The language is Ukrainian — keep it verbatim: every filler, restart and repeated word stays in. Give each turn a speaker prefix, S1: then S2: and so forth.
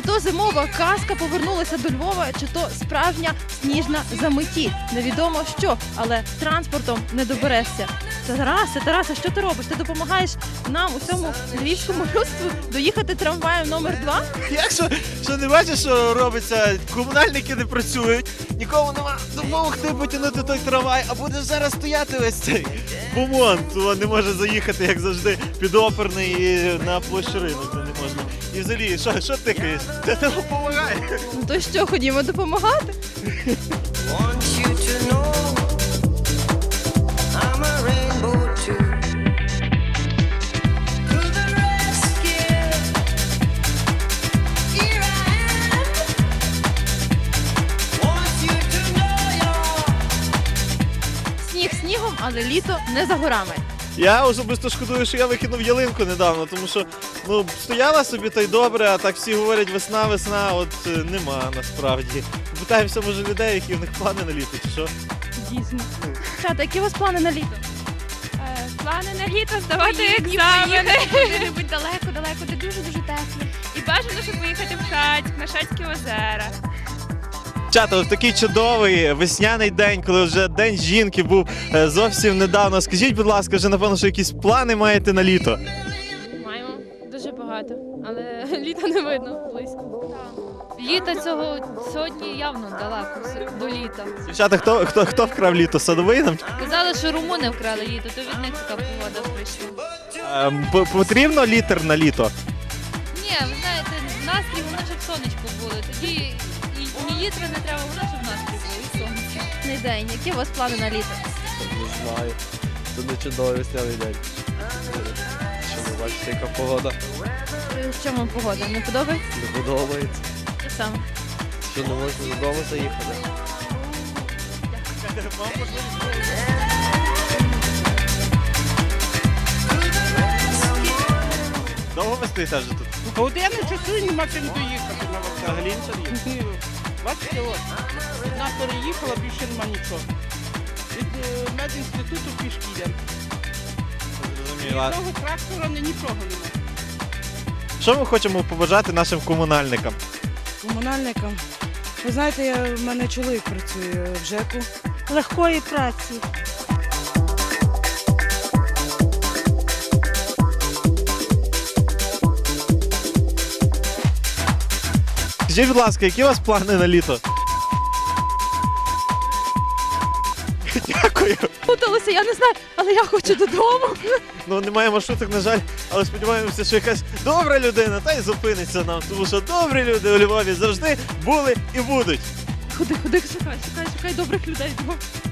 S1: то зимова казка повернулася до Львова, чи то справжня сніжна заметіль. Невідомо що, але транспортом не доберешся. Тарасе, Тарасе, що ти робиш? Ти допомагаєш нам у цьому львівському людству доїхати трамваєм номер два?
S2: Як що, що не бачиш, що робиться? Комунальники не працюють, нікому нема допомогти потягнути той трамвай, а будеш зараз стояти весь цей бумон, то не може заїхати, як завжди, підоперний і на площу ринок не можна. І взагалі, що, що тикаєш? Це не допомагає.
S1: Ну то що, ходімо допомагати?
S3: Want you to know I'm a rainbow too. To the rescue, here I am. Want you to know you're
S1: Сніг снігом, але літо не за горами.
S2: Я особисто шкодую, що я викинув ялинку недавно, тому що ну, стояла собі та й добре, а так всі говорять весна, весна, от е, нема насправді. Питаємося, може, людей, які в них плани на літо, чи що?
S1: Дійсно. Чата, які у вас плани на літо?
S4: Е, Плани на літо здавати
S1: Поїдні,
S4: екзамени куди-небудь далеко-далеко, де дуже-дуже тепло. І бажано, щоб поїхати в Шацьк, на Шацькі озера.
S2: Чата, от такий чудовий весняний день, коли вже День жінки був е, зовсім недавно. Скажіть, будь ласка, вже напевно, що якісь плани маєте на літо?
S4: Маємо дуже багато, але літа не видно близько. Літо цього сьогодні явно далеко все, до літа.
S2: Дівчата, хто, хто, хто вкрав літо? Садовий нам?
S4: Казали, що румуни вкрали літо, то від них така погода прийшла.
S2: Ем, п- потрібно літр на літо?
S4: Ні, ви знаєте, настрій, воно щоб сонечко було. Тоді і, і літра не треба, воно щоб настрій було, і сонце.
S1: Не день. Які у вас плани на літо?
S5: Не знаю. Це не чудовий весняний день. Що ви бачите, яка погода
S1: Е, Що вам погода? Не подобається?
S5: не подобається.
S1: Те саме.
S5: Що не можна додому заїхати.
S2: Довго ви стоїте вже тут?
S6: Години часу і нема чим доїхати на вокзал.
S2: Взагалі нічого є?
S6: Ні. Бачите, от, одна переїхала, більше нема нічого. Від е, медінституту пішки йдемо.
S2: Зрозуміло.
S6: Одного трактора, ні нічого нема.
S2: Що ми хочемо побажати нашим комунальникам?
S7: Комунальникам. Ви знаєте, я, в мене чоловік працює в ЖЕКу. Легкої праці.
S2: Скажіть, будь ласка, які у вас плани на літо? Дякую.
S1: Путалася, я не знаю, але я хочу додому.
S2: Ну, немає маршруток, на жаль, але сподіваємося, що якась добра людина та й зупиниться нам, тому що добрі люди у Львові завжди були і будуть.
S1: Ходи, ходи, шукай, шукай, шукай добрих людей.